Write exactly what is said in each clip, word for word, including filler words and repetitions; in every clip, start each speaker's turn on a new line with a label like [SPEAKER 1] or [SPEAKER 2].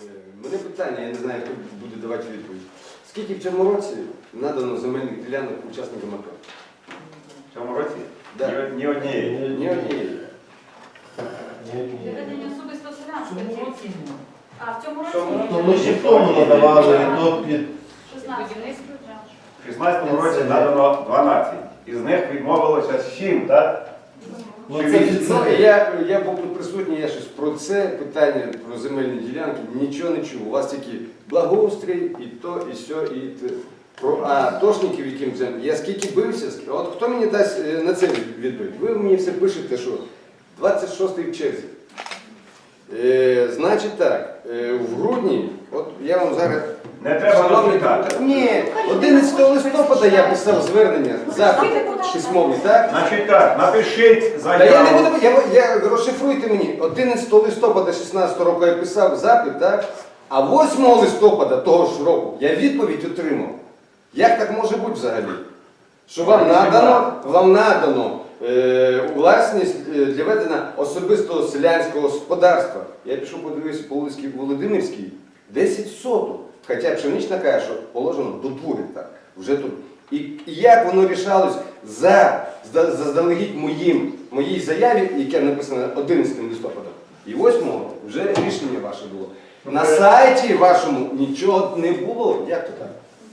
[SPEAKER 1] Мене питання, я не знаю, хто буде давати відповідь. Скільки в цьому році надано земельних ділянок учасникам АТО?
[SPEAKER 2] В цьому році?
[SPEAKER 1] Да.
[SPEAKER 2] Ні, ні однієї.
[SPEAKER 1] Ні однієї.
[SPEAKER 3] Для ведення особисто селянської. А в цьому
[SPEAKER 1] Цьому
[SPEAKER 3] році?
[SPEAKER 4] Ну, ми ще в тому надавали, то під...
[SPEAKER 3] шістнадцять.
[SPEAKER 2] В шістнадцятому році надано дванадцять. Із них відмовилося сім, так?
[SPEAKER 4] Ну,
[SPEAKER 2] Чи
[SPEAKER 4] це
[SPEAKER 2] вісім?
[SPEAKER 4] від-
[SPEAKER 1] Ну, я, я був тут присутній, я щось про це питання, про земельні ділянки, нічого не чув. У вас тільки благоустрій, і то, і сьо, і те. Про атошників, яким землі. Я скільки бився, ск- от хто мені дасть е, на це відповідь? Ви мені все пишете, що двадцять шостий в черзі. Е, значить так, е, в грудні, от я вам зараз...
[SPEAKER 2] Не треба
[SPEAKER 1] Шановні
[SPEAKER 2] розповідати.
[SPEAKER 1] депутати, ні, одинадцятого листопада я писав звернення, запит письмовий, так?
[SPEAKER 2] Значить так, напишіть
[SPEAKER 1] Та я не
[SPEAKER 2] заяву.
[SPEAKER 1] буду, я, я, розшифруйте мені, одинадцятого листопада шістнадцятого року я писав запит, так? А восьмого листопада того ж року я відповідь отримав. Як так може бути взагалі? Що вам надано, вам надано е, у власність е, для ведення особистого селянського господарства. Я пішов подивився по вулиці Володимирській, десять соток. Хоча пшенична каже, що положено до двох гектар. Вже тут. І, і як воно рішалось за, за, заздалегідь моїм, моїй заяві, яке написано одинадцятого листопада, і восьмого вже рішення ваше було. На сайті вашому нічого не було. Як то так?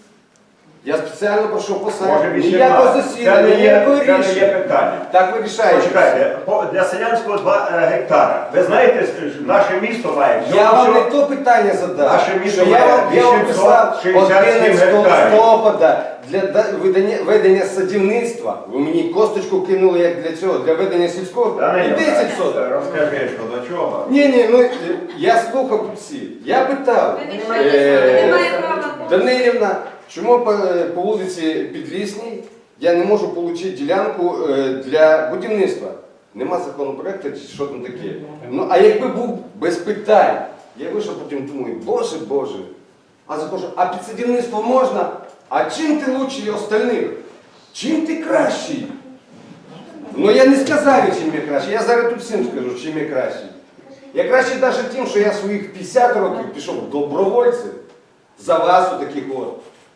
[SPEAKER 1] Я спеціально пройшов по
[SPEAKER 2] Може
[SPEAKER 1] сайті. Ніякого
[SPEAKER 2] вісімнадцять. Це
[SPEAKER 1] засідання,
[SPEAKER 2] не є,
[SPEAKER 1] ніякого
[SPEAKER 2] це не є
[SPEAKER 1] рішення.
[SPEAKER 2] питання.
[SPEAKER 1] Так ви рішаєте.
[SPEAKER 2] Почекайте, по- для селянського два е, гектара. Ви знаєте, що наше місто має всього-
[SPEAKER 1] Я вам не
[SPEAKER 2] всього-
[SPEAKER 1] то питання задав.
[SPEAKER 2] Наше місто
[SPEAKER 1] Що я
[SPEAKER 2] має
[SPEAKER 1] вам, я вам писав
[SPEAKER 2] вісімсот шістдесят сім
[SPEAKER 1] одинадцятого
[SPEAKER 2] гектарів.
[SPEAKER 1] листопада для да- ведення, ведення садівництва. Ви мені косточку кинули як для цього, для ведення сільського.
[SPEAKER 2] Та не
[SPEAKER 1] І десять соток.
[SPEAKER 2] Розкажи, що до чого.
[SPEAKER 1] Ні, ні, ну я слухав тут всі. Я питав.
[SPEAKER 3] Ви відповіли, ви не маєте права.
[SPEAKER 1] Данилівна, чому по, по вулиці Підлісній я не можу отримати ділянку е, для будівництва? Нема законопроекту чи що там таке. Ну, а якби був без питань, я вийшов потім думаю, боже, боже. А захожу, а під садівництво можна? А чим ти лучший остальних? Чим ти кращий? Ну я не сказав, чим я кращий. Я зараз тут всім скажу, чим я кращий. Я кращий навіть тим, що я своїх п'ятдесят років пішов добровольцем за вас у таких от.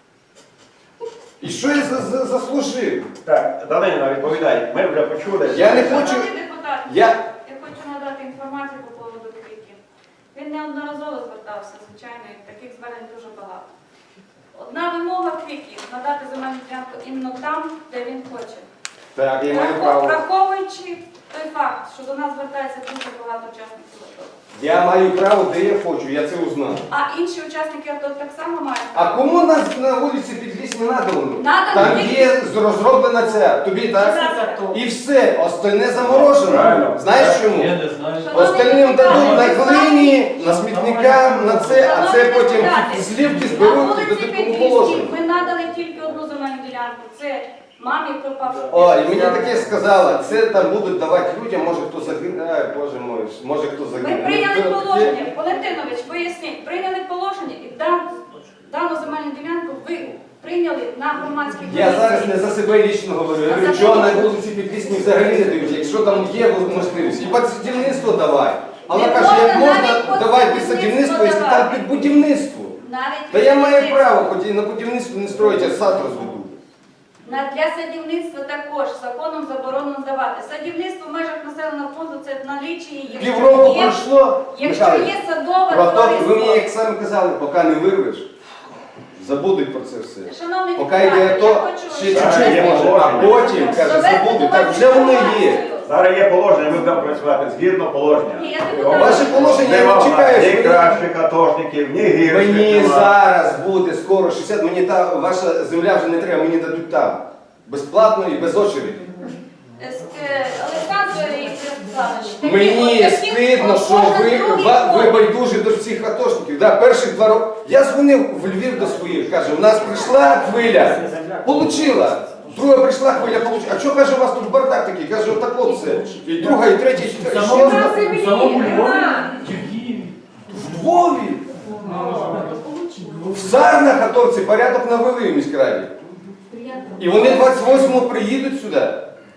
[SPEAKER 1] І що я за- за- заслужив?
[SPEAKER 2] Так, Данилівна, відповідай. Ми вже почули.
[SPEAKER 1] Я не хочу.
[SPEAKER 3] Шановний депутат,
[SPEAKER 1] Я...
[SPEAKER 3] я хочу надати інформацію по поводу криків. Він неодноразово звертався, звичайно, і таких звернень дуже багато. Одна вимога криків – надати земельну ділянку іменно там, де він хоче.
[SPEAKER 1] Так, я маю
[SPEAKER 3] Врахов-
[SPEAKER 1] право.
[SPEAKER 3] Враховуючи той факт, що до нас звертається дуже багато учасників АТО.
[SPEAKER 1] Я маю право, де я хочу, я це узнав.
[SPEAKER 3] А інші учасники АТО так само мають.
[SPEAKER 1] А кому нас на вулиці Підлісні надано?
[SPEAKER 3] Надано
[SPEAKER 1] Там
[SPEAKER 3] тільки-
[SPEAKER 1] є розроблена ця, тобі так? І все, остальне заморожено.
[SPEAKER 2] Правильно.
[SPEAKER 1] Знаєш чому?
[SPEAKER 5] Я не знаю.
[SPEAKER 1] Остальним дадуть на глині, на смітникам, на це, а це потім злівки
[SPEAKER 3] На
[SPEAKER 1] зберуть і
[SPEAKER 3] вулиці
[SPEAKER 1] дадуть кому
[SPEAKER 3] Підлісній
[SPEAKER 1] положено.
[SPEAKER 3] ми надали тільки одну земельну ділянку. Це мамі пропавши.
[SPEAKER 1] О, і мені таке сказала, це там будуть давати людям, може хто загине, ай, боже мой, може хто загине.
[SPEAKER 3] Ми прийняли
[SPEAKER 1] Ну, це
[SPEAKER 3] положення,
[SPEAKER 1] таке.
[SPEAKER 3] Валентинович, поясніть, прийняли положення і дан- дану земельну ділянку ви прийняли на громадській
[SPEAKER 1] Я
[SPEAKER 3] комісії.
[SPEAKER 1] зараз не за себе лічно говорю, я
[SPEAKER 3] А
[SPEAKER 1] говорю,
[SPEAKER 3] за
[SPEAKER 1] що
[SPEAKER 3] кого?
[SPEAKER 1] на вулиці Підлісні взагалі не дають, якщо там є можливість. І під садівництво давай. А вона
[SPEAKER 3] Не
[SPEAKER 1] каже, як
[SPEAKER 3] можна
[SPEAKER 1] можна
[SPEAKER 3] навіть під
[SPEAKER 1] давати під
[SPEAKER 3] садівництво
[SPEAKER 1] садівництво, якщо там
[SPEAKER 3] давати.
[SPEAKER 1] під будівництво.
[SPEAKER 3] Навіть
[SPEAKER 1] Та я маю
[SPEAKER 3] будівництво.
[SPEAKER 1] право, хоч і на будівництво не строїть, а сад розведу.
[SPEAKER 3] На- Для садівництва також законом заборонено давати. Садівництво в межах населеного пункту це в налічі є.
[SPEAKER 1] Півроку пройшло,
[SPEAKER 3] Якщо
[SPEAKER 1] Михайло,
[SPEAKER 3] є садове
[SPEAKER 1] про то, ви мені,
[SPEAKER 3] товариство.
[SPEAKER 1] як самі казали, поки не вирвеш, забудуть про це все.
[SPEAKER 3] Шановний
[SPEAKER 1] Поки
[SPEAKER 3] депутат,
[SPEAKER 1] йде
[SPEAKER 3] я
[SPEAKER 1] то,
[SPEAKER 3] хочу...
[SPEAKER 1] ще
[SPEAKER 2] Так,
[SPEAKER 1] чуть-чуть
[SPEAKER 2] є
[SPEAKER 1] може, а
[SPEAKER 2] положення.
[SPEAKER 1] потім, каже,
[SPEAKER 3] Довести
[SPEAKER 1] забудуть.
[SPEAKER 3] до
[SPEAKER 1] Так
[SPEAKER 3] вас
[SPEAKER 1] вже воно є.
[SPEAKER 3] інформацію.
[SPEAKER 2] Зараз є положення, ми будемо працювати згідно положення.
[SPEAKER 3] Ні, я депутат.
[SPEAKER 1] Ваше положення я не чекаю,
[SPEAKER 2] Ні
[SPEAKER 1] що ви-
[SPEAKER 2] кращих атошників, ні гірших.
[SPEAKER 1] Мені
[SPEAKER 2] нема.
[SPEAKER 1] зараз буде скоро шістдесят, мені та ваша земля вже не треба, мені дадуть там. Безплатно і без очереди.
[SPEAKER 3] Е, Олександр Ігорович, такі
[SPEAKER 1] Мені
[SPEAKER 3] от такі
[SPEAKER 1] стидно, що ви,
[SPEAKER 3] кожен другий
[SPEAKER 1] ва- ви
[SPEAKER 3] ход.
[SPEAKER 1] байдужі до всіх атошників. Да, перших два роки. Я дзвонив в Львів до своїх, каже, у нас прийшла хвиля, получила. Друга прийшла хвиля, получила. А що, каже, у вас тут бардак такий? Каже, отако все. І друга, і третя, і
[SPEAKER 5] В
[SPEAKER 1] четверта.
[SPEAKER 5] самому,
[SPEAKER 1] Що?
[SPEAKER 5] в самому Львові чи в Києві?
[SPEAKER 1] В Львові. В Сарнах атовці порядок навели в міськраді. І вони двадцять восьмого приїдуть сюди.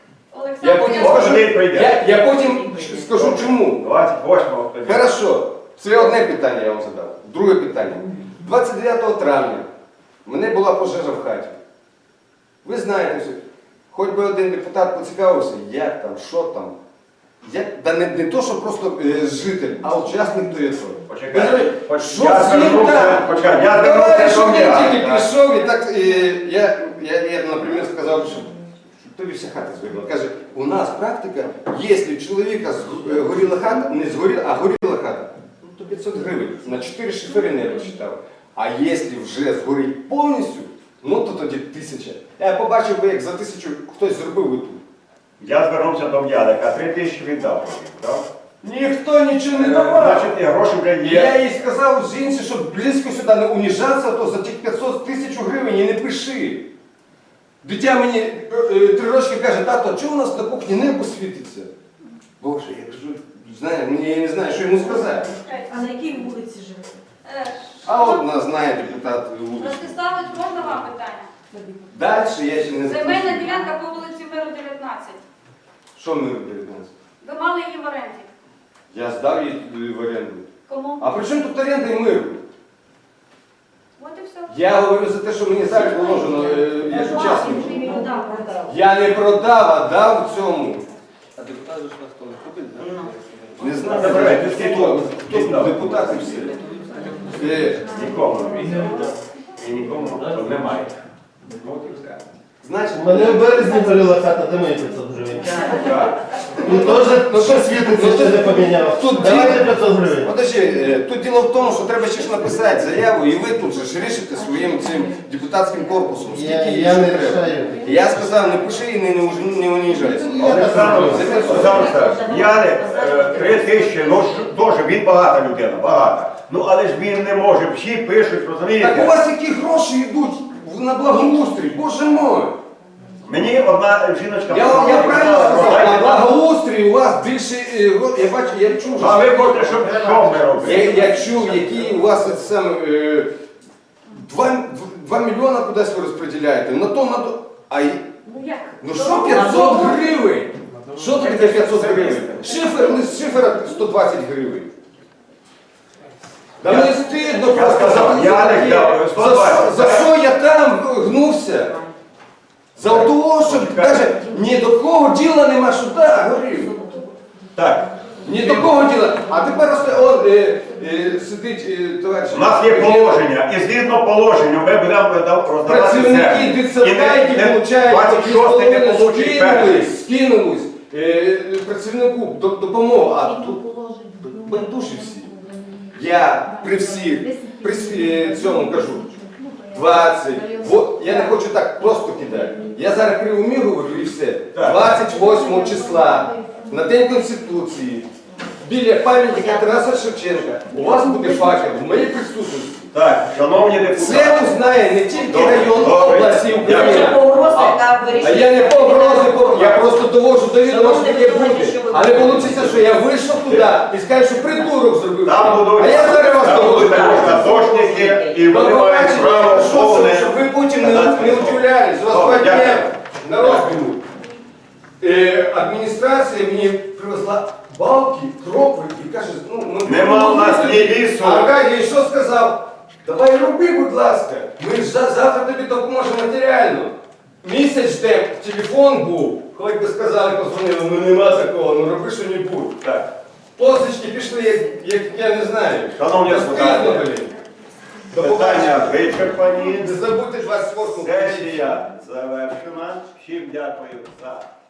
[SPEAKER 1] Я
[SPEAKER 3] Олександр
[SPEAKER 1] потім
[SPEAKER 3] Ігорович,
[SPEAKER 1] скажу,
[SPEAKER 2] Один прийде.
[SPEAKER 1] я, я потім скажу чому.
[SPEAKER 2] двадцять восьмого.
[SPEAKER 1] Хорошо. Це одне питання я вам задав. Друге питання. двадцять дев'ятого травня в мене була пожежа в хаті. Ви знаєте, що хоч би один депутат поцікавився, як там, що там. Як, да не, не то, що просто е, житель, а учасник ТО.
[SPEAKER 2] Почекайте.
[SPEAKER 1] Що
[SPEAKER 2] Поч-
[SPEAKER 1] з
[SPEAKER 2] Я
[SPEAKER 1] ним
[SPEAKER 2] звернувся,
[SPEAKER 1] там?
[SPEAKER 2] почекайте, я
[SPEAKER 1] Товариш,
[SPEAKER 2] звернувся до
[SPEAKER 1] я
[SPEAKER 2] мене.
[SPEAKER 1] тільки прийшов і так, е, я, я, я, наприклад, сказав, що тобі вся хата згоріла. Каже, у нас практика, якщо у чоловіка зг- е, горіла хата, не згоріла, а горіла хата, ну то п'ятсот гривень. На чотири шифери не розчитав. А якщо вже згорить повністю, ну то тоді тисяча. Я побачив би, як за тисячу хтось зробив би тут.
[SPEAKER 2] Я звернувся до М'ядика, три тисячі віддав. так?
[SPEAKER 1] Ніхто нічого не
[SPEAKER 2] Е,
[SPEAKER 1] давав.
[SPEAKER 2] Значить, і гроші вже
[SPEAKER 1] Я
[SPEAKER 2] є.
[SPEAKER 1] їй сказав жінці, щоб близько сюди не уніжатися, то за тих п'ятсот тисяч гривень і не пиши. Дитя мені е, е, три рочки каже, тато, а чого у нас на кухні небо світиться? Боже, я кажу, знаю, мені- я не знаю, що йому сказати.
[SPEAKER 6] А на якій вулиці живете?
[SPEAKER 3] Е,
[SPEAKER 1] А от нас знає депутат вулиці.
[SPEAKER 3] Ростиславович, можна вам питання?
[SPEAKER 1] Далі я ще не
[SPEAKER 3] Земельна
[SPEAKER 1] закінчив.
[SPEAKER 3] ділянка по вулиці Миру дев'ятнадцять.
[SPEAKER 1] Що ми дев'ятнадцять?
[SPEAKER 3] Ви мали її в оренді.
[SPEAKER 1] Я здав її е, в оренду.
[SPEAKER 3] Кому?
[SPEAKER 1] А при чому тут оренда і мир?
[SPEAKER 3] От і все.
[SPEAKER 1] Я говорю за те, що мені зараз положено е, як учасник.
[SPEAKER 6] Продав.
[SPEAKER 1] Я не продав, а дав цьому.
[SPEAKER 5] А депутат же ж на хто не ходить, да?
[SPEAKER 1] Не знаю,
[SPEAKER 2] Забирайте,
[SPEAKER 1] хто,
[SPEAKER 2] скільки?
[SPEAKER 1] хто, хто
[SPEAKER 2] Віддав.
[SPEAKER 1] депутати всі. Е,
[SPEAKER 2] Нікому. І нікому немає.
[SPEAKER 1] Значить,
[SPEAKER 4] У мене в березні горіла хата, де мої п'ятсот гривень. Ну теж, ну що світиться, ще не поміняв.
[SPEAKER 1] Тут
[SPEAKER 4] Давайте
[SPEAKER 1] діло-
[SPEAKER 4] п'ятсот гривень.
[SPEAKER 1] Подожди, е, тут діло в тому, що треба ще ж написати заяву, і ви тут же ж рішите своїм цим депутатським корпусом. Скільки
[SPEAKER 4] Я,
[SPEAKER 1] їй
[SPEAKER 4] я
[SPEAKER 1] ще
[SPEAKER 4] не
[SPEAKER 1] треба.
[SPEAKER 4] рішаю.
[SPEAKER 1] Я сказав, не пиши і не, не, уж- не уніжайся.
[SPEAKER 2] Олександр Олександрович, Яник, е, три тисячі, ну ж- теж він багата людина, багата. Ну але ж він не може, всі пишуть,
[SPEAKER 1] Так у
[SPEAKER 2] розумієте?
[SPEAKER 1] вас які гроші йдуть на благоустрій, боже мой.
[SPEAKER 2] Мені одна жіночка...
[SPEAKER 1] Я, вам- я правильно сказав, на
[SPEAKER 2] «Продайте нам».
[SPEAKER 1] благоустрій у вас більше, е, го- я бачу, я чув,
[SPEAKER 2] А ви хочете, щоб що ми робили?
[SPEAKER 1] Я, я чув, які у вас це саме, е, два, два мільйона кудись ви розподіляєте. На то, на то. А й-
[SPEAKER 6] Ну як?
[SPEAKER 1] ну що п'ятсот гривень? Що тут таке п'ятсот гривень? Шифер, не з шифера сто двадцять гривень. Да
[SPEAKER 2] Я-
[SPEAKER 1] мені стидно
[SPEAKER 2] я
[SPEAKER 1] просто
[SPEAKER 2] сказав,
[SPEAKER 1] за,
[SPEAKER 2] я
[SPEAKER 1] за,
[SPEAKER 2] не
[SPEAKER 1] таке.
[SPEAKER 2] дав,
[SPEAKER 1] за, що, за що я там гнувся? За того, що каже, ні до кого діла нема, що да, горів.
[SPEAKER 2] Так,
[SPEAKER 1] Ні до кого діла. А тепер просто он, е, е, сидить е, товариш.
[SPEAKER 2] у нас є положення, і згідно положенню ми будемо роздавати
[SPEAKER 1] Працівники
[SPEAKER 2] землю.
[SPEAKER 1] дитсадка, які получають
[SPEAKER 2] двадцять шостий не получить перший.
[SPEAKER 1] скинулись, скинулись е, працівнику до- допомогу, а тут байдужі всі. Я при всіх, при всі- е, цьому кажу, двадцять, во- я не хочу так просто кидати. Я зараз при умі говорю і все.
[SPEAKER 2] Так.
[SPEAKER 1] двадцять восьмого числа, на День Конституції, біля пам'ятника Тараса Шевченка, у вас буде факел в моїй присутності.
[SPEAKER 2] Так, шановні депутати.
[SPEAKER 1] Це узнає не тільки
[SPEAKER 2] Добре,
[SPEAKER 1] район
[SPEAKER 2] добре.
[SPEAKER 1] області
[SPEAKER 2] Дякую.
[SPEAKER 1] України.
[SPEAKER 6] Погрози
[SPEAKER 1] А-
[SPEAKER 6] та
[SPEAKER 1] А
[SPEAKER 6] вирішення.
[SPEAKER 1] я не погрози, по- я просто довожу до відома, що таке
[SPEAKER 6] Шановний
[SPEAKER 1] буде.
[SPEAKER 6] що ви
[SPEAKER 1] А не
[SPEAKER 6] говорите?
[SPEAKER 1] вийде, що я вийшов туди і скажу, що придурок зробив.
[SPEAKER 2] Там будуть,
[SPEAKER 1] А я зараз вас
[SPEAKER 2] там
[SPEAKER 1] довожу.
[SPEAKER 2] будуть атошники, і вони
[SPEAKER 1] До
[SPEAKER 2] мають
[SPEAKER 1] побачення,
[SPEAKER 2] право
[SPEAKER 1] що-
[SPEAKER 2] повне.
[SPEAKER 1] щоб ви потім не,
[SPEAKER 2] надати
[SPEAKER 1] не
[SPEAKER 2] слово.
[SPEAKER 1] удивлялись. У вас
[SPEAKER 2] Добре,
[SPEAKER 1] два дня
[SPEAKER 2] дякую.
[SPEAKER 1] на розбігу. Е, адміністрація мені привезла балки, крокви і каже, ну, ми...
[SPEAKER 2] Нема у нас ні лісу.
[SPEAKER 1] А Аркадій що сказав? Давай роби, будь ласка, ми ж за- завтра тобі допоможемо матеріально. Місяць ждем, телефон був, хоч би сказали, позвонили, ну нема такого, ну роби що-небудь.
[SPEAKER 2] Так.
[SPEAKER 1] Позички пішли, як, як я не знаю.
[SPEAKER 2] Шановні
[SPEAKER 1] Та
[SPEAKER 2] депутати,
[SPEAKER 1] стидно, блін. До побачення.
[SPEAKER 2] Питання вичерпані.
[SPEAKER 1] Не забудьте двадцять восьмого.
[SPEAKER 2] Сесія завершена. Всім дякую за